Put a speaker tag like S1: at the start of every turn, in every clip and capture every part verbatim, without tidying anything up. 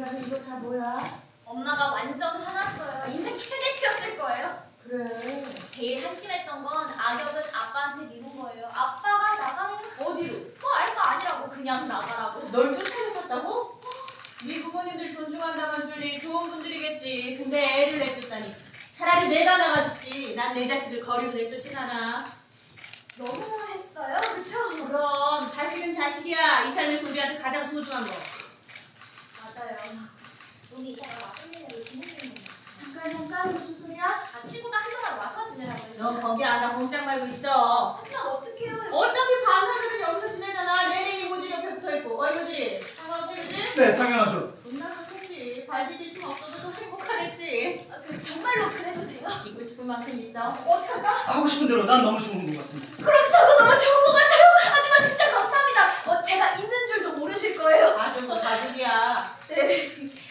S1: 그래서 이거 다 뭐야?
S2: 엄마가 완전 화났어요. 인생 최대치였을 거예요.
S1: 그래.
S2: 제일 한심했던 건 악역은 아빠한테 미룬 거예요. 아빠가 나가면
S1: 어디로?
S2: 뭐 알 거 아니라고 그냥 나가라고.
S1: 널 쫓아내셨다고? 네 부모님들 존중한다만 줄리 좋은 분들이겠지. 근데 애를 내쫓다니. 차라리 내가 나가줬지. 난 내 자식을 거리로 내쫓진 않아.
S2: 너무했어요, 그쵸?
S1: 그럼 자식은 자식이야. 이 삶에서 우리한테 가장 소중한 거.
S2: 맞아요. 우리 이따가 맞벌이라고 지내는 거.
S1: 잠깐 잠깐 무슨 소리야?
S2: 아, 친구가 한동안 와서 지내라고 했어.
S1: 너 거기 안 와 공짝 말고 있어.
S2: 하지만 어떡해요?
S1: 어차피 밤하늘은 여기서 지내잖아. 내내 이모질 옆에 붙어있고. 어 이모질 상관없지 그지?
S3: 네, 당연하죠.
S1: 존나 좋겠지. 발디딜 틈 없어도 좀 행복하겠지.
S2: 아, 그, 정말로 그래도 돼요?
S1: 있고 싶은 만큼 있어.
S2: 어떡할까?
S3: 하고 싶은 대로 난 너무 좋은 것 같은데.
S2: 그럼 저도 너무 좋은 것 같아요. 하지만 진짜 감사합니다. 어, 제가 있는 줄도 모르실 거예요.
S1: 아주 뭐 가족이야.
S2: 네.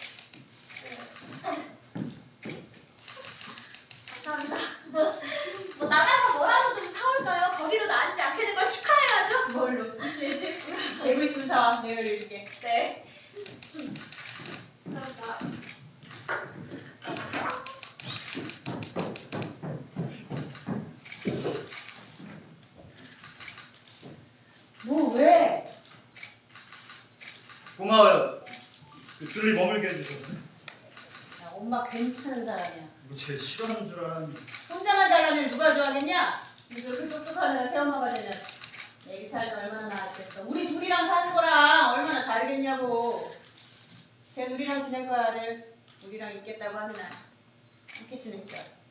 S2: 감사합니다. 뭐 나가서 뭐라도 좀 사올까요? 거리로 나앉지 않게 된 걸 축하해야죠.
S1: 뭘로? 그치지? 알고 있으면 사와. 내가 읽을게.
S2: 네. 그러니까.
S1: 뭐 왜?
S3: 고마워요. 그 줄리 머물게 해주셔서.
S1: 야, 엄마 괜찮은 사람이야.
S3: 이거 제일 싫어하는 줄 알았는데.
S1: 혼자만 잘하면 누가 좋아하겠냐? 이렇게 똑똑한 애가 새엄마가 되면 애기 살도 얼마나 나았겠어. 우리 둘이랑 사는 거랑 얼마나 다르겠냐고. 쟤 우리랑 지낼 거야 아들. 우리랑 있겠다고 하면 함께 지낼 거야.